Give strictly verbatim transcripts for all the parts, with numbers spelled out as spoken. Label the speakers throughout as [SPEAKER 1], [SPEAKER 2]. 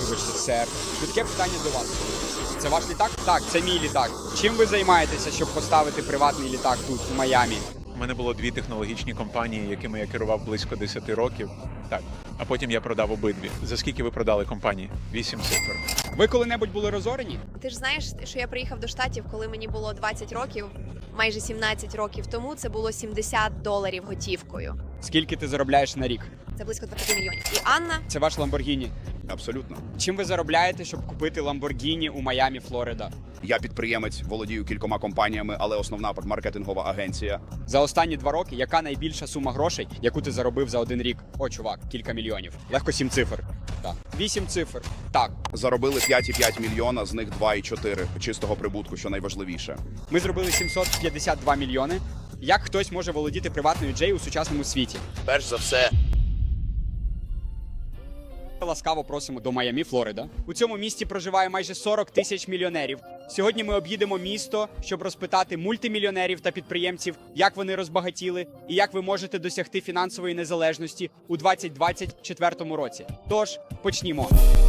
[SPEAKER 1] вибачте, сер. Швидке питання до вас. Це ваш літак? Так, це мій літак. Чим ви займаєтеся, щоб поставити приватний літак тут, в Майамі?
[SPEAKER 2] У мене було дві технологічні компанії, якими я керував близько десяти років. Так. А потім я продав обидві. За скільки ви продали компанії? Вісім цифр.
[SPEAKER 1] Ви коли-небудь були розорені?
[SPEAKER 3] Ти ж знаєш, що я приїхав до Штатів, коли мені було двадцять років, майже сімнадцять років тому, це було сімдесят доларів готівкою.
[SPEAKER 1] Скільки ти заробляєш на рік?
[SPEAKER 3] Це близько двадцять мільйонів. І Анна,
[SPEAKER 1] Це ваш Ламборгіні.
[SPEAKER 4] Абсолютно.
[SPEAKER 1] Чим ви заробляєте, щоб купити Ламборгіні у Майамі, Флорида?
[SPEAKER 4] Я підприємець, володію кількома компаніями, але основна маркетингова агенція.
[SPEAKER 1] За останні два роки, яка найбільша сума грошей, яку ти заробив за один рік? О, чувак, кілька мільйонів. Легко сім цифр. Так. Вісім цифр. Так.
[SPEAKER 4] Заробили п'ять і п'ять мільйона, з них два і чотири чистого прибутку, що найважливіше.
[SPEAKER 1] Ми зробили сімсот п'ятдесят два мільйони. Як хтось може володіти приватною джей у сучасному світі?
[SPEAKER 4] Перш за все,
[SPEAKER 1] Ласкаво просимо до Майамі, Флорида. У цьому місті проживає майже сорок тисяч мільйонерів. Сьогодні ми об'їдемо місто, щоб розпитати мультимільйонерів та підприємців, як вони розбагатіли і як ви можете досягти фінансової незалежності у двадцять двадцять четвертому році. Тож, почнімо.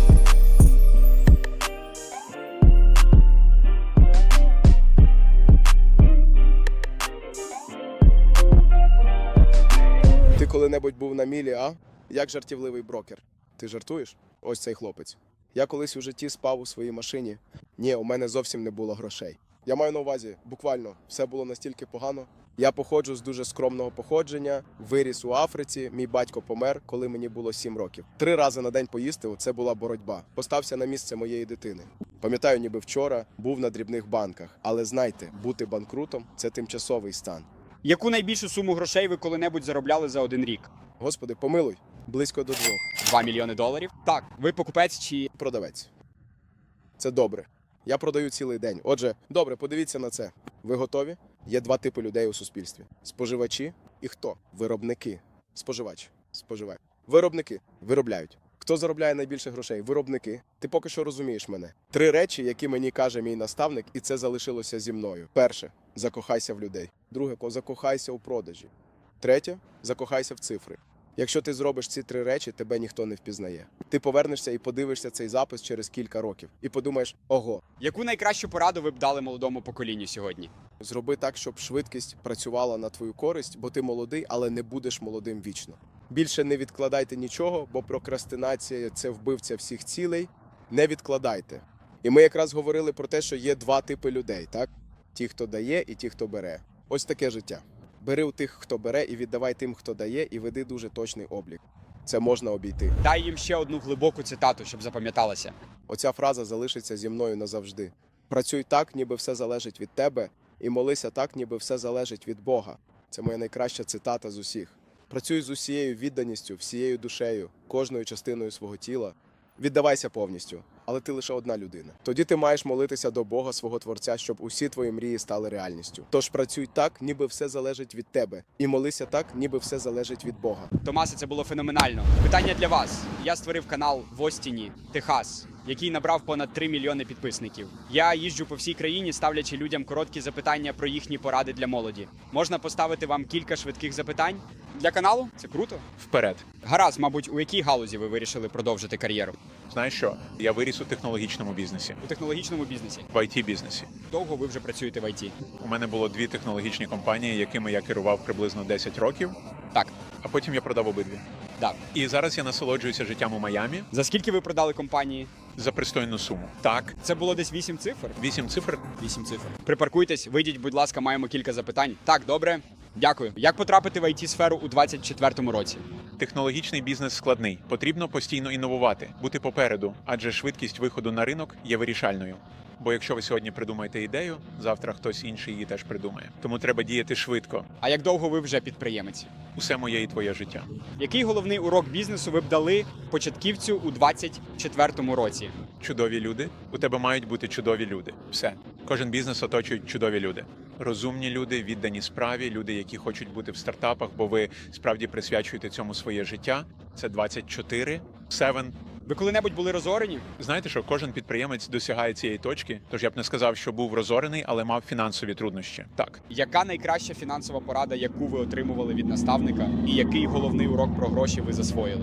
[SPEAKER 5] Ти коли-небудь був на мілі, а? Як жартівливий брокер. Ти жартуєш? Ось цей хлопець. Я колись у житті спав у своїй машині. Ні, у мене зовсім не було грошей. Я маю на увазі, буквально, все було настільки погано. Я походжу з дуже скромного походження, виріс у Африці, мій батько помер, коли мені було сім років. Три рази на день поїсти – це була боротьба. Постався на місце моєї дитини. Пам'ятаю, ніби вчора був на дрібних банках. Але знайте, бути банкрутом – це тимчасовий стан.
[SPEAKER 1] Яку найбільшу суму грошей ви коли-небудь заробляли за один рік?
[SPEAKER 5] Господи, помилуй, близько до двох.
[SPEAKER 1] Два мільйони доларів? Так. Ви покупець чи...
[SPEAKER 5] Продавець. Це добре. Я продаю цілий день. Отже, добре, подивіться на це. Ви готові? Є два типи людей у суспільстві. Споживачі і хто? Виробники. Споживач. Споживач. Виробники. Виробляють. Хто заробляє найбільше грошей? Виробники. Ти поки що розумієш мене. Три речі, які мені каже мій наставник, і це залишилося зі мною. Перше – закохайся в людей. Друге – закохайся у продажі. Третє – закохайся в цифри. Якщо ти зробиш ці три речі, тебе ніхто не впізнає. Ти повернешся і подивишся цей запис через кілька років. І подумаєш, ого,
[SPEAKER 1] Яку найкращу пораду ви б дали молодому поколінню сьогодні?
[SPEAKER 5] зроби так, щоб швидкість працювала на твою користь, бо ти молодий, але не будеш молодим вічно. Більше не відкладайте нічого, бо прокрастинація – це вбивця всіх цілей. Не відкладайте. І ми якраз говорили про те, що є два типи людей, так? Ті, хто дає, і ті, хто бере. Ось таке життя. Бери у тих, хто бере, і віддавай тим, хто дає, і веди дуже точний облік. Це можна обійти.
[SPEAKER 1] Дай їм ще одну глибоку цитату, щоб запам'яталася.
[SPEAKER 5] Оця фраза залишиться зі мною назавжди. Працюй так, ніби все залежить від тебе, і молися так, ніби все залежить від Бога. Це моя найкраща цитата з усіх. Працюй з усією відданістю, всією душею, кожною частиною свого тіла. Віддавайся повністю, але ти лише одна людина. Тоді ти маєш молитися до Бога, свого Творця, щоб усі твої мрії стали реальністю. Тож працюй так, ніби все залежить від тебе, і молися так, ніби все залежить від Бога.
[SPEAKER 1] Томасе, це було феноменально. Питання для вас. Я створив канал в Остіні, Техас, який набрав понад три мільйони підписників. Я їжджу по всій країні, ставлячи людям короткі запитання про їхні поради для молоді. Можна поставити вам кілька швидких запитань? Для каналу? Це круто.
[SPEAKER 2] Вперед.
[SPEAKER 1] Гаразд, мабуть, у якій галузі ви вирішили продовжити кар'єру?
[SPEAKER 2] Знаєш що? Я виріс у технологічному бізнесі,
[SPEAKER 1] У технологічному бізнесі.
[SPEAKER 2] в ай ті-бізнесі.
[SPEAKER 1] Довго ви вже працюєте в ай ті?
[SPEAKER 2] У мене було дві технологічні компанії, якими я керував приблизно десять років,
[SPEAKER 1] Так,
[SPEAKER 2] а потім я продав обидві.
[SPEAKER 1] так.
[SPEAKER 2] І зараз я насолоджуюся життям у Майамі
[SPEAKER 1] За скільки ви продали компанії?
[SPEAKER 2] за пристойну суму. Так,
[SPEAKER 1] Це було десь вісім цифр?
[SPEAKER 2] вісім цифр.
[SPEAKER 1] Вісім цифр. Припаркуйтесь, вийдіть, будь ласка, маємо кілька запитань. Так, добре. Дякую. Як потрапити в ай ті-сферу у двадцять четвертому році?
[SPEAKER 2] Технологічний бізнес складний. Потрібно постійно інновувати, бути попереду, адже швидкість виходу на ринок є вирішальною. Бо якщо ви сьогодні придумаєте ідею, завтра хтось інший її теж придумає. Тому треба діяти швидко.
[SPEAKER 1] А як довго ви вже підприємець?
[SPEAKER 2] Усе моє і твоє життя.
[SPEAKER 1] Який головний урок бізнесу ви б дали початківцю у двадцять четвертому році?
[SPEAKER 2] Чудові люди. У тебе мають бути чудові люди. Все. Кожен бізнес оточують чудові люди. Розумні люди, віддані справі, люди, які хочуть бути в стартапах, бо ви справді присвячуєте цьому своє життя. Це двадцять чотири, сім.
[SPEAKER 1] Ви коли-небудь були розорені?
[SPEAKER 2] Знаєте, що кожен підприємець досягає цієї точки, тож я б не сказав, що був розорений, але мав фінансові труднощі. Так.
[SPEAKER 1] Яка найкраща фінансова порада, яку ви отримували від наставника? І який головний урок про гроші ви засвоїли?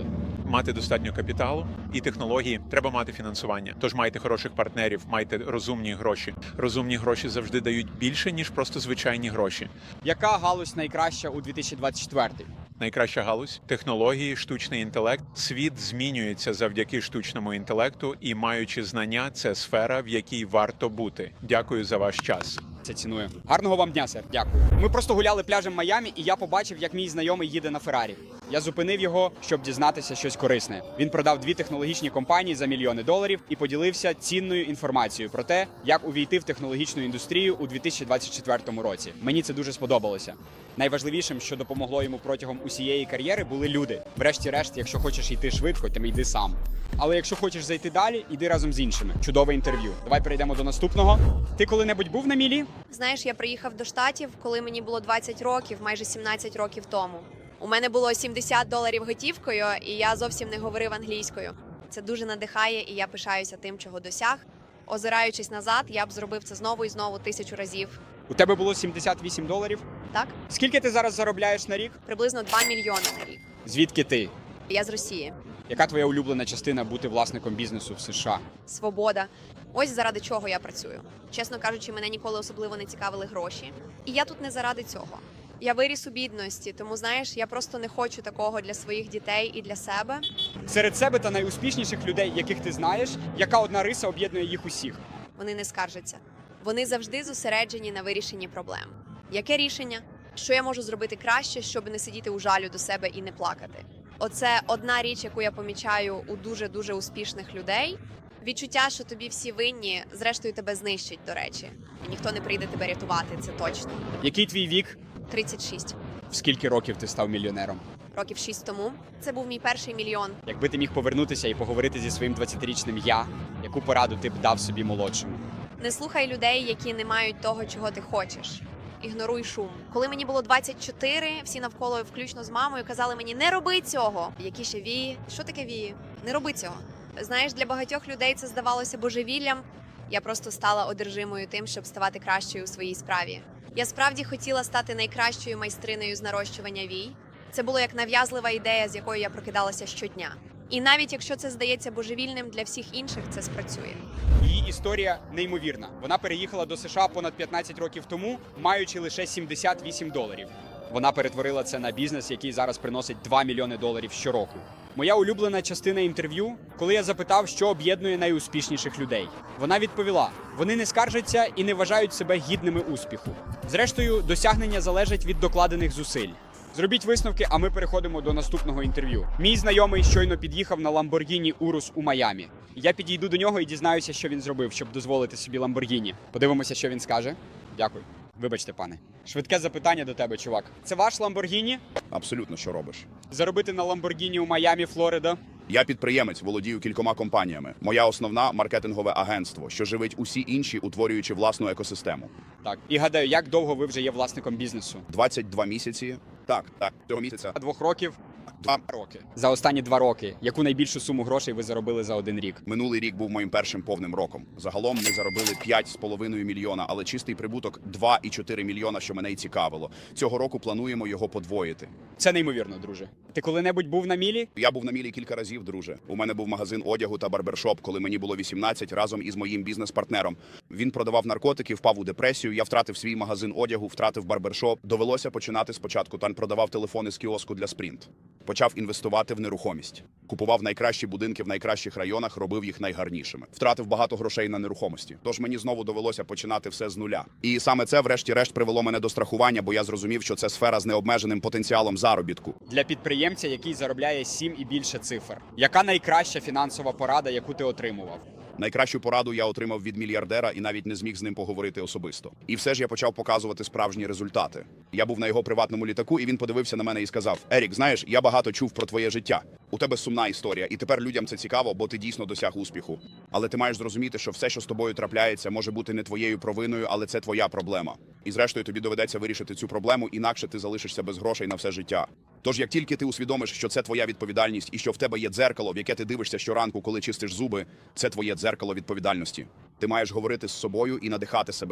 [SPEAKER 2] мати достатньо капіталу і технології, треба мати фінансування. Тож майте хороших партнерів, майте розумні гроші. Розумні гроші завжди дають більше, ніж просто звичайні гроші.
[SPEAKER 1] Яка галузь найкраща у дві тисячі двадцять четвертий?
[SPEAKER 2] Найкраща галузь технології, штучний інтелект. Світ змінюється завдяки штучному інтелекту, і маючи знання, це сфера, в якій варто бути. Дякую за ваш час.
[SPEAKER 1] Це ціную. Гарного вам дня, сер. Дякую. Ми просто гуляли пляжем Майамі, і я побачив, як мій знайомий їде на Феррарі. Я зупинив його, щоб дізнатися щось корисне. Він продав дві технологічні компанії за мільйони доларів і поділився цінною інформацією про те, як увійти в технологічну індустрію у дві тисячі двадцять четвертому році. Мені це дуже сподобалося. Найважливішим, що допомогло йому протягом усієї кар'єри, були люди. Врешті-решт, якщо хочеш йти швидко, то йди сам. Але якщо хочеш зайти далі, йди разом з іншими. Чудове інтерв'ю. Давай перейдемо до наступного. Ти коли-небудь був на мілі?
[SPEAKER 3] Знаєш, я приїхав до Штатів, коли мені було двадцять років, майже сімнадцять років тому. У мене було сімдесят доларів готівкою, і я зовсім не говорив англійською. Це дуже надихає, і я пишаюся тим, чого досяг. Озираючись назад, я б зробив це знову і знову тисячу разів.
[SPEAKER 1] У тебе було сімдесят вісім доларів.
[SPEAKER 3] Так?
[SPEAKER 1] Скільки ти зараз заробляєш на рік?
[SPEAKER 3] Приблизно два мільйони на рік.
[SPEAKER 1] Звідки ти?
[SPEAKER 3] Я з Росії.
[SPEAKER 1] Яка твоя улюблена частина бути власником бізнесу в США?
[SPEAKER 3] Свобода. Ось заради чого я працюю. Чесно кажучи, мене ніколи особливо не цікавили гроші. І я тут не заради цього. Я виріс у бідності, тому, знаєш, я просто не хочу такого для своїх дітей і для себе.
[SPEAKER 1] Серед себе та найуспішніших людей, яких ти знаєш, яка одна риса об'єднує їх усіх?
[SPEAKER 3] Вони не скаржаться. Вони завжди зосереджені на вирішенні проблем. Яке рішення? Що я можу зробити краще, щоб не сидіти у жалю до себе і не плакати? Оце одна річ, яку я помічаю у дуже-дуже успішних людей. Відчуття, що тобі всі винні, зрештою тебе знищить, до речі. І ніхто не прийде тебе рятувати, це точно.
[SPEAKER 1] Який твій вік?
[SPEAKER 3] тридцять шість.
[SPEAKER 1] В скільки років ти став мільйонером?
[SPEAKER 3] Років шість тому. Це був мій перший мільйон.
[SPEAKER 1] Якби ти міг повернутися і поговорити зі своїм двадцятирічним я, яку пораду ти б дав собі молодшому?
[SPEAKER 3] Не слухай людей, які не мають того, чого ти хочеш. Ігноруй шум. Коли мені було двадцять чотири, всі навколо, включно з мамою, казали мені: не роби цього. Які ще вії? Що таке вії? Не роби цього. Знаєш, для багатьох людей це здавалося божевіллям. Я просто стала одержимою тим, щоб ставати кращою у своїй справі. Я справді хотіла стати найкращою майстринею з нарощування вій. Це було як нав'язлива ідея, з якою я прокидалася щодня. І навіть якщо це здається божевільним, для всіх інших це спрацює.
[SPEAKER 1] Її історія неймовірна. Вона переїхала до США понад п'ятнадцять років тому, маючи лише сімдесят вісім доларів. Вона перетворила це на бізнес, який зараз приносить два мільйони доларів щороку. Моя улюблена частина інтерв'ю, коли я запитав, що об'єднує найуспішніших людей. Вона відповіла: вони не скаржаться і не вважають себе гідними успіху. Зрештою, досягнення залежать від докладених зусиль. Зробіть висновки, а ми переходимо до наступного інтерв'ю. Мій знайомий щойно під'їхав на Lamborghini Urus у Майамі. Я підійду до нього і дізнаюся, що він зробив, щоб дозволити собі Lamborghini. Подивимося, що він скаже. Дякую. Вибачте, пане. Швидке запитання до тебе, чувак. Це ваш Lamborghini?
[SPEAKER 4] Абсолютно, що робиш?
[SPEAKER 1] Заробити на Lamborghini у Майамі, Флорида?
[SPEAKER 4] Я підприємець, володію кількома компаніями. Моя основна маркетингове агентство, що живить усі інші, утворюючи власну екосистему.
[SPEAKER 1] Так. І гадаю, як довго ви вже є власником бізнесу?
[SPEAKER 4] двадцять два місяці. Так, так, цього місяця.
[SPEAKER 1] Двох років?
[SPEAKER 4] Два
[SPEAKER 1] роки. За останні два роки. Яку найбільшу суму грошей ви заробили за один рік?
[SPEAKER 4] Минулий рік був моїм першим повним роком. Загалом ми заробили п'ять з половиною мільйона, але чистий прибуток два і чотири мільйона, що мене й цікавило. Цього року плануємо його подвоїти.
[SPEAKER 1] Це неймовірно, друже. Ти коли-небудь був на мілі?
[SPEAKER 4] Я був на мілі кілька разів, друже. У мене був магазин одягу та барбершоп, коли мені було вісімнадцять, разом із моїм бізнес-партнером. Він продавав наркотики, впав у депресію, я втратив свій магазин одягу, втратив барбершоп. Довелося починати спочатку. Там продавав телефони з кіоску для Sprint. Почав інвестувати в нерухомість. Купував найкращі будинки в найкращих районах, робив їх найгарнішими. Втратив багато грошей на нерухомості. Тож мені знову довелося починати все з нуля. І саме це, врешті-решт, привело мене до страхування, бо я зрозумів, що це сфера з необмеженим потенціалом заробітку.
[SPEAKER 1] Для підприємця, який заробляє сім і більше цифр. Яка найкраща фінансова порада, яку ти отримував?
[SPEAKER 4] Найкращу пораду я отримав від мільярдера і навіть не зміг з ним поговорити особисто. І все ж я почав показувати справжні результати. Я був на його приватному літаку, і він подивився на мене і сказав: «Ерік, знаєш, я багато чув про твоє життя. У тебе сумна історія, і тепер людям це цікаво, бо ти дійсно досяг успіху. Але ти маєш зрозуміти, що все, що з тобою трапляється, може бути не твоєю провиною, але це твоя проблема. І зрештою тобі доведеться вирішити цю проблему, інакше ти залишишся без грошей на все життя. Тож, як тільки ти усвідомиш, що це твоя відповідальність і що в тебе є дзеркало, в яке ти дивишся щоранку, коли чистиш зуби, це твоє дзеркало відповідальності. Ти маєш говорити з собою і надихати себе.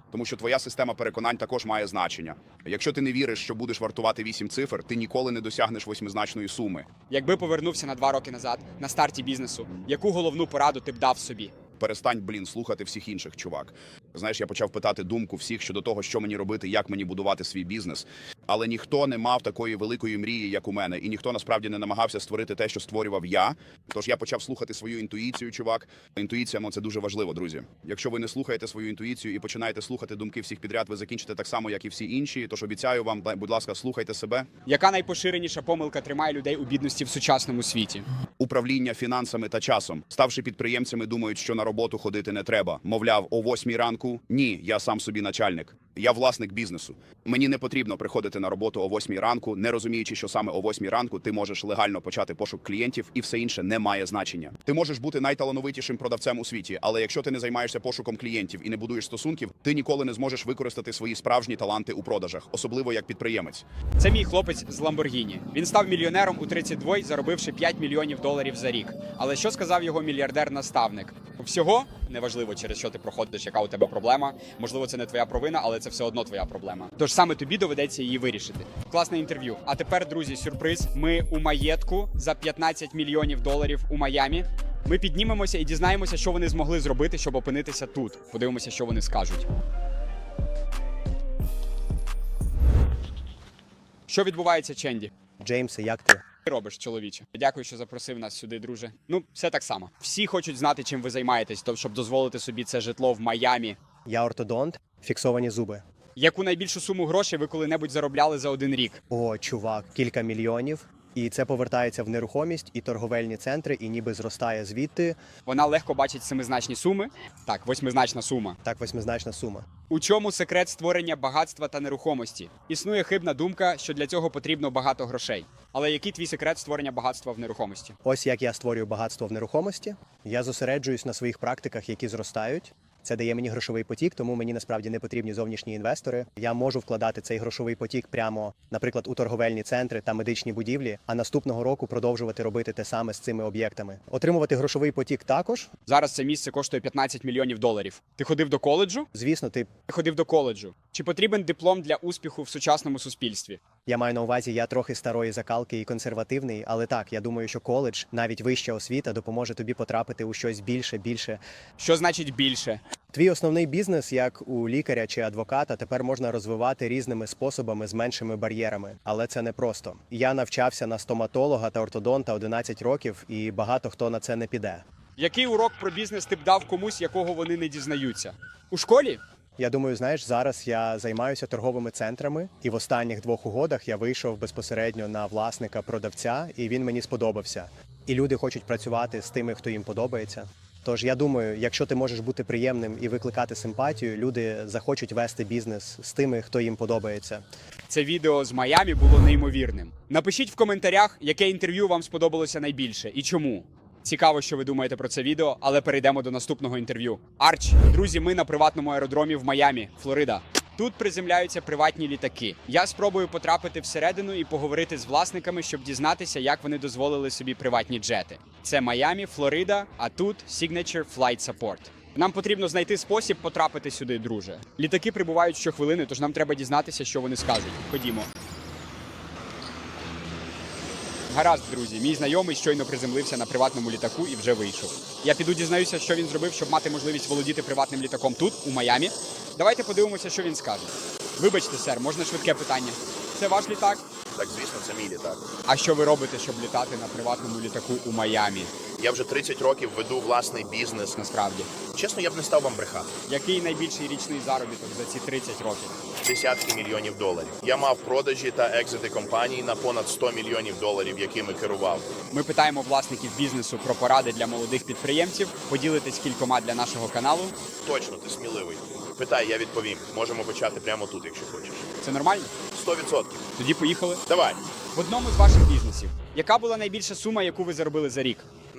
[SPEAKER 4] тому що твоя система переконань також має значення. Якщо ти не віриш, що будеш вартувати вісім цифр, ти ніколи не досягнеш восьмизначної суми.
[SPEAKER 1] Якби повернувся на два роки назад, на старті бізнесу, яку головну пораду ти б дав собі?
[SPEAKER 4] Перестань, блін, слухати всіх інших, чувак. Знаєш, я почав питати думку всіх щодо того, що мені робити, як мені будувати свій бізнес. Але ніхто не мав такої великої мрії, як у мене, і ніхто насправді не намагався створити те, що створював я. Тож я почав слухати свою інтуїцію, чувак. Інтуїція, ну це дуже важливо, друзі. Якщо ви не слухаєте свою інтуїцію і починаєте слухати думки всіх підряд, ви закінчите так само, як і всі інші. Тож обіцяю вам, будь ласка, слухайте себе.
[SPEAKER 1] Яка найпоширеніша помилка тримає людей у бідності в сучасному світі?
[SPEAKER 4] Управління фінансами та часом. Ставши підприємцями, думають, що на роботу ходити не треба. Мовляв, о восьмій ранку. Ні, я сам собі начальник. Я власник бізнесу. Мені не потрібно приходити на роботу о восьмій ранку, не розуміючи, що саме о восьмій ранку ти можеш легально почати пошук клієнтів, і все інше не має значення. Ти можеш бути найталановитішим продавцем у світі, але якщо ти не займаєшся пошуком клієнтів і не будуєш стосунків, ти ніколи не зможеш використати свої справжні таланти у продажах, особливо як підприємець.
[SPEAKER 1] Це мій хлопець з Ламборгіні. Він став мільйонером у тридцять два, заробивши п'ять мільйонів доларів за рік. Але що сказав його мільярдер-наставник? Всього неважливо, через що ти проходиш, яка у тебе проблема. Можливо, це не твоя провина, але це все одно твоя проблема. Тож саме тобі доведеться її вирішити. Класне інтерв'ю. А тепер, друзі, сюрприз. Ми у маєтку за п'ятнадцять мільйонів доларів у Майамі. Ми піднімемося і дізнаємося, що вони змогли зробити, щоб опинитися тут. Подивимося, що вони скажуть. Що відбувається, Ченді?
[SPEAKER 6] Джеймсе, як ти?
[SPEAKER 1] Ти робиш, чоловіче. Дякую, що запросив нас сюди, друже. Ну, все так само. Всі хочуть знати, чим ви займаєтесь, тобто, щоб дозволити собі це житло в Майамі.
[SPEAKER 6] Я ортодонт, фіксовані зуби.
[SPEAKER 1] Яку найбільшу суму грошей ви коли-небудь заробляли за один рік?
[SPEAKER 6] О, чувак, кілька мільйонів. І це повертається в нерухомість і торговельні центри, і ніби зростає звідти.
[SPEAKER 1] Вона легко бачить семизначні суми. Так, восьмизначна сума.
[SPEAKER 6] Так, восьмизначна сума.
[SPEAKER 1] У чому секрет створення багатства та нерухомості? Існує хибна думка, що для цього потрібно багато грошей. Але який твій секрет створення багатства в нерухомості?
[SPEAKER 6] Ось як я створюю багатство в нерухомості. Я зосереджуюсь на своїх практиках, які зростають. Це дає мені грошовий потік, тому мені насправді не потрібні зовнішні інвестори. Я можу вкладати цей грошовий потік прямо, наприклад, у торговельні центри та медичні будівлі, а наступного року продовжувати робити те саме з цими об'єктами. Отримувати грошовий потік також.
[SPEAKER 1] Зараз це місце коштує п'ятнадцять мільйонів доларів. Ти ходив до коледжу?
[SPEAKER 6] Звісно, ти
[SPEAKER 1] Ти ходив до коледжу. Чи потрібен диплом для успіху в сучасному суспільстві?
[SPEAKER 6] Я маю на увазі, я трохи старої закалки і консервативний, але так, я думаю, що коледж, навіть вища освіта, допоможе тобі потрапити у щось більше, більше.
[SPEAKER 1] Що значить більше?
[SPEAKER 6] Твій основний бізнес, як у лікаря чи адвоката, тепер можна розвивати різними способами з меншими бар'єрами. Але це не просто. Я навчався на стоматолога та ортодонта одинадцять років, і багато хто на це не піде.
[SPEAKER 1] Який урок про бізнес ти б дав комусь, якого вони не дізнаються? У школі?
[SPEAKER 6] Я думаю, знаєш, зараз я займаюся торговими центрами, і в останніх двох угодах я вийшов безпосередньо на власника-продавця, і він мені сподобався. І люди хочуть працювати з тими, хто їм подобається. Тож я думаю, якщо ти можеш бути приємним і викликати симпатію, люди захочуть вести бізнес з тими, хто їм подобається.
[SPEAKER 1] Це відео з Майамі було неймовірним. Напишіть в коментарях, яке інтерв'ю вам сподобалося найбільше і чому. Цікаво, що ви думаєте про це відео, але перейдемо до наступного інтерв'ю. Арч, друзі, ми на приватному аеродромі в Майамі, Флорида. Тут приземляються приватні літаки. Я спробую потрапити всередину і поговорити з власниками, щоб дізнатися, як вони дозволили собі приватні джети. Це Майамі, Флорида, а тут Signature Flight Support. Нам потрібно знайти спосіб потрапити сюди, друже. Літаки прибувають щохвилини, тож нам треба дізнатися, що вони скажуть. Ходімо. Гаразд, друзі, мій знайомий щойно приземлився на приватному літаку і вже вийшов. Я піду дізнаюся, що він зробив, щоб мати можливість володіти приватним літаком тут, у Майамі. Давайте подивимося, що він скаже. Вибачте, сер, можна швидке питання? Це ваш літак?
[SPEAKER 4] Так, звісно, це мій літак.
[SPEAKER 1] А що ви робите, щоб літати на приватному літаку у Майамі?
[SPEAKER 7] Я вже тридцять років веду власний бізнес.
[SPEAKER 1] Насправді.
[SPEAKER 7] Чесно, я б не став вам брехати.
[SPEAKER 1] Який найбільший річний заробіток за ці тридцять років?
[SPEAKER 7] Десятки мільйонів доларів. Я мав продажі та екзити компаній на понад сто мільйонів доларів, якими керував.
[SPEAKER 1] Ми питаємо власників бізнесу про поради для молодих підприємців. Поділитесь кількома для нашого каналу.
[SPEAKER 7] Точно, ти сміливий. Питай, я відповім. Можемо почати прямо тут, якщо хочеш.
[SPEAKER 1] Це нормально?
[SPEAKER 7] Сто відсотків.
[SPEAKER 1] Тоді поїхали.
[SPEAKER 7] Давай.
[SPEAKER 1] В одному з ваших бізнесів. Яка була найбільша сума, яку ви заробили за рік?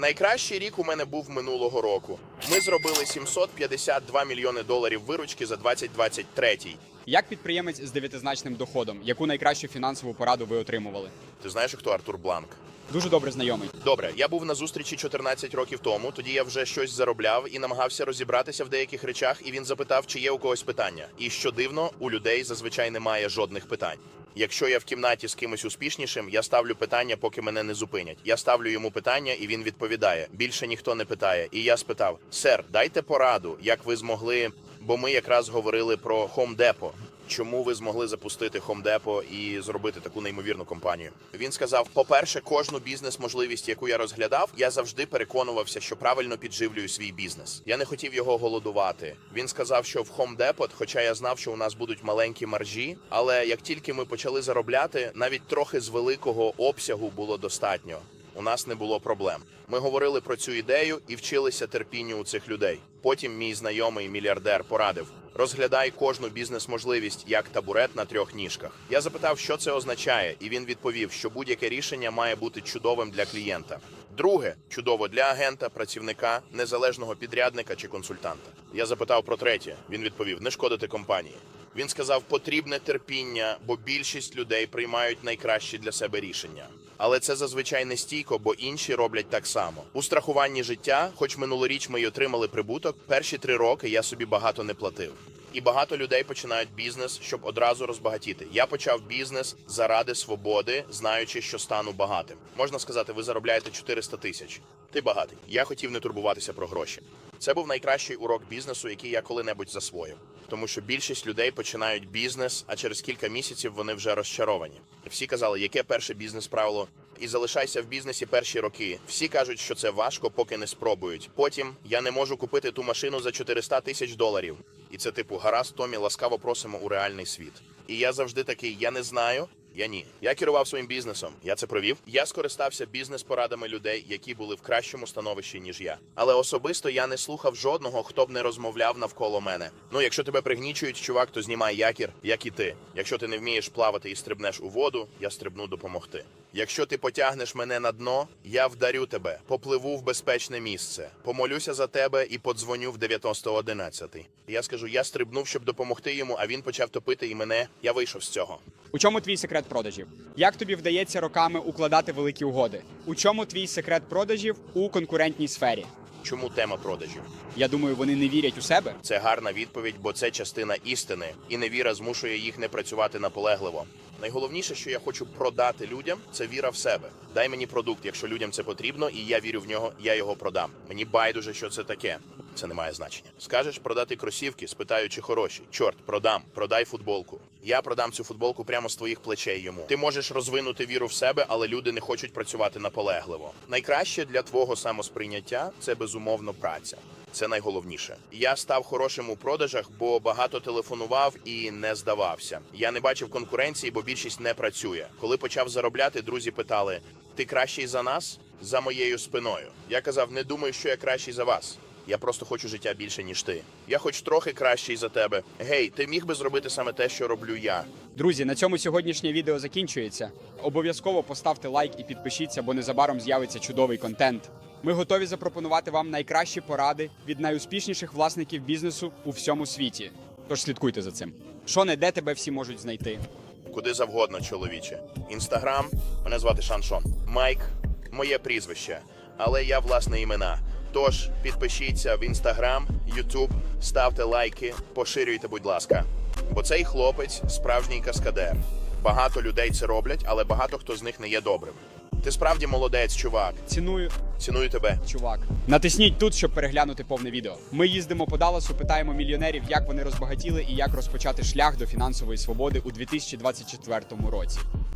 [SPEAKER 7] Найкращий рік у мене був минулого року. Ми зробили сімсот п'ятдесят два мільйони доларів виручки за двадцять двадцять третій.
[SPEAKER 1] Як підприємець з дев'ятизначним доходом, яку найкращу фінансову пораду ви отримували?
[SPEAKER 7] Ти знаєш, хто Артур Бланк?
[SPEAKER 1] Дуже добре знайомий.
[SPEAKER 7] Добре, я був на зустрічі чотирнадцять років тому, тоді я вже щось заробляв і намагався розібратися в деяких речах, і він запитав, чи є у когось питання. І що дивно, у людей зазвичай немає жодних питань. Якщо я в кімнаті з кимось успішнішим, я ставлю питання, поки мене не зупинять. Я ставлю йому питання, і він відповідає. Більше ніхто не питає. І я спитав: «Сер, дайте пораду, як ви змогли...» Бо ми якраз говорили про Home Depot. Чому ви змогли запустити Home Depot і зробити таку неймовірну компанію? Він сказав: по-перше, кожну бізнес-можливість, яку я розглядав, я завжди переконувався, що правильно підживлюю свій бізнес. Я не хотів його голодувати. Він сказав, що в Home Depot, хоча я знав, що у нас будуть маленькі маржі, але як тільки ми почали заробляти, навіть трохи з великого обсягу було достатньо. У нас не було проблем. Ми говорили про цю ідею і вчилися терпінню у цих людей. Потім мій знайомий мільярдер порадив: розглядай кожну бізнес-можливість як табурет на трьох ніжках. Я запитав, що це означає, і він відповів, що будь-яке рішення має бути чудовим для клієнта. Друге – чудово для агента, працівника, незалежного підрядника чи консультанта. Я запитав про третє. Він відповів: не шкодити компанії. Він сказав: потрібне терпіння, бо більшість людей приймають найкращі для себе рішення. Але це зазвичай не стійко, бо інші роблять так само. У страхуванні життя, хоч минулоріч ми й отримали прибуток, перші три роки я собі багато не платив. І багато людей починають бізнес, щоб одразу розбагатіти. Я почав бізнес заради свободи, знаючи, що стану багатим. Можна сказати, ви заробляєте чотириста тисяч. Ти багатий. Я хотів не турбуватися про гроші. Це був найкращий урок бізнесу, який я коли-небудь засвоїв. Тому що більшість людей починають бізнес, а через кілька місяців вони вже розчаровані. Всі казали, яке перше бізнес-правило? І залишайся в бізнесі перші роки. Всі кажуть, що це важко, поки не спробують. Потім: я не можу купити ту машину за чотириста тисяч доларів. І це типу: гаразд, Томі, ласкаво просимо у реальний світ. І я завжди такий: я не знаю. Я ні. Я керував своїм бізнесом. Я це провів. Я скористався бізнес-порадами людей, які були в кращому становищі, ніж я. Але особисто я не слухав жодного, хто б не розмовляв навколо мене. Ну, якщо тебе пригнічують, чувак, то знімай якір, як і ти. Якщо ти не вмієш плавати і стрибнеш у воду, я стрибну допомогти. Якщо ти потягнеш мене на дно, я вдарю тебе, попливу в безпечне місце, помолюся за тебе і подзвоню в дев'яносто одинадцять. Я скажу: я стрибнув, щоб допомогти йому, а він почав топити і мене. Я вийшов з цього.
[SPEAKER 1] У чому твій секрет продажів? Як тобі вдається роками укладати великі угоди? У чому твій секрет продажів у конкурентній сфері?
[SPEAKER 7] Чому тема продажів?
[SPEAKER 1] Я думаю, вони не вірять у себе.
[SPEAKER 7] Це гарна відповідь, бо це частина істини, і невіра змушує їх не працювати наполегливо. Найголовніше, що я хочу продати людям, це віра в себе. Дай мені продукт, якщо людям це потрібно, і я вірю в нього, я його продам. Мені байдуже, що це таке. Це не має значення. Скажеш продати кросівки, спитаю, чи хороші. Чорт, продам, продай футболку. Я продам цю футболку прямо з твоїх плечей йому. Ти можеш розвинути віру в себе, але люди не хочуть працювати наполегливо. Найкраще для твого самосприйняття – це безумовно праця. Це найголовніше. Я став хорошим у продажах, бо багато телефонував і не здавався. Я не бачив конкуренції, бо більшість не працює. Коли почав заробляти, друзі питали: ти кращий за нас? За моєю спиною. Я казав: не думаю, що я кращий за вас. Я просто хочу життя більше, ніж ти. Я хоч трохи кращий за тебе. Гей, ти міг би зробити саме те, що роблю я.
[SPEAKER 1] Друзі, на цьому сьогоднішнє відео закінчується. Обов'язково поставте лайк і підпишіться, бо незабаром з'явиться чудовий контент. Ми готові запропонувати вам найкращі поради від найуспішніших власників бізнесу у всьому світі. Тож слідкуйте за цим. Шоне, де тебе всі можуть знайти?
[SPEAKER 7] Куди завгодно, чоловіче. Інстаграм, мене звати Шаншон. Майк, моє прізвище. Але я власне імена. Тож підпишіться в Інстаграм, Ютуб, ставте лайки, поширюйте, будь ласка. Бо цей хлопець справжній каскадер. Багато людей це роблять, але багато хто з них не є добрим. Ти справді молодець, чувак.
[SPEAKER 1] Ціную,
[SPEAKER 7] Ціную тебе.
[SPEAKER 1] чувак. Натисніть тут, щоб переглянути повне відео. Ми їздимо по Далласу, питаємо мільйонерів, як вони розбагатіли і як розпочати шлях до фінансової свободи у дві тисячі двадцять четвертому році.